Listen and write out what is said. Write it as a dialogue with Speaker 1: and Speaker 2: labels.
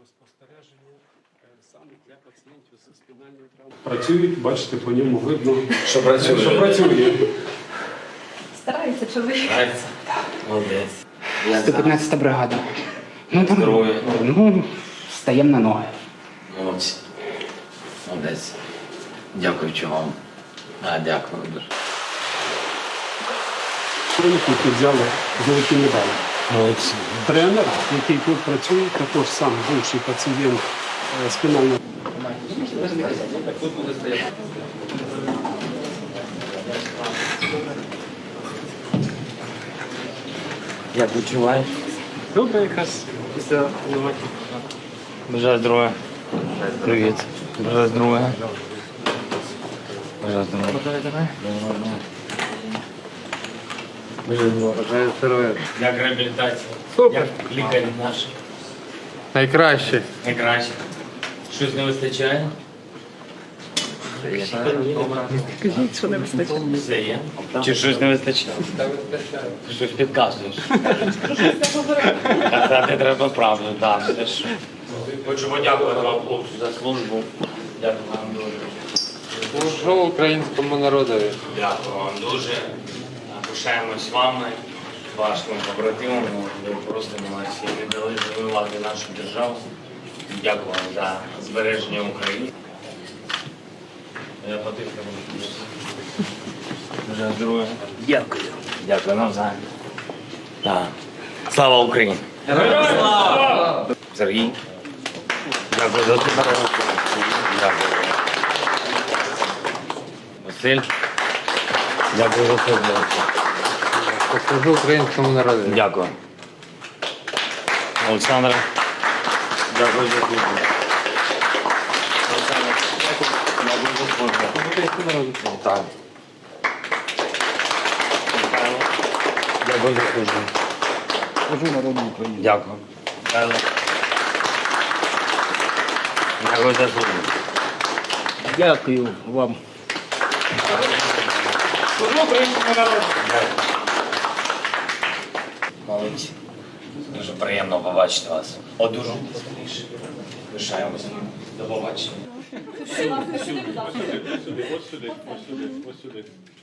Speaker 1: спостереження саме для пацієнтів з спінальною травмою. Працюють, бачите, по ньому видно,
Speaker 2: Що працює?
Speaker 1: що працює.
Speaker 3: Старається чоловік.
Speaker 2: Нравится? Молодець.
Speaker 4: 115-та бригада. Ну, там,
Speaker 2: Здоров'я.
Speaker 4: ну, стаємо на ноги.
Speaker 2: Молодці. Молодець. Дякуючи вам. Дякую дуже.
Speaker 1: Тут взяли золоті медалі.
Speaker 2: Молодці.
Speaker 1: Тренер, який тут працює, також сам бувший пацієнт спінальної.
Speaker 2: Тут буде стояти. Як відчуваєш?
Speaker 1: Добре, якраз після новаки.
Speaker 2: Бажаю здоров'я. Привіт. Бажаю здоров'я. Бажаю здоров'я. Бажаю здоров'я.
Speaker 5: Бажаю здоров'я.
Speaker 2: Як реабілітація?
Speaker 5: Супер.
Speaker 2: Як лікарі наші?
Speaker 5: Найкраще.
Speaker 2: Найкраще. Щось не вистачає?
Speaker 3: Кажіть, що не вистачає.
Speaker 2: Все є. Чи щось не вистачає? Щось підказуєш. Казати треба правду, так. Хочу подякувати вам, хлопці, за службу. Дякую вам дуже.
Speaker 5: Служу українському народові.
Speaker 2: Дякую вам дуже. Пишаємось вами, вашими побратимами. Ви просто молодці. Ви дали завоювати нашу державу. Дякую вам за збереження України. Я потихну буду. Бажаю здоров'я. Дякую. Дякую навзаєм. Так. Слава Україні! Героям слава! Сергій. Дякую за тебе. Дякую. Василь. Дякую за це.
Speaker 5: Служу українському народові.
Speaker 2: Дякую. Олександр. Дякую за службу. Олександр. Дякую за службу. Так. Михайло. Дякую за службу.
Speaker 4: Служу народу України.
Speaker 2: Дякую. Михайло. Дякую за службу.
Speaker 4: Дякую вам.
Speaker 2: Служу українському народу. Дякую. Молодці. Дуже приємно побачити вас. Одужуйте скоріше. Пишаємося. До побачення.
Speaker 1: Ось сюди, ось сюди, ось сюди.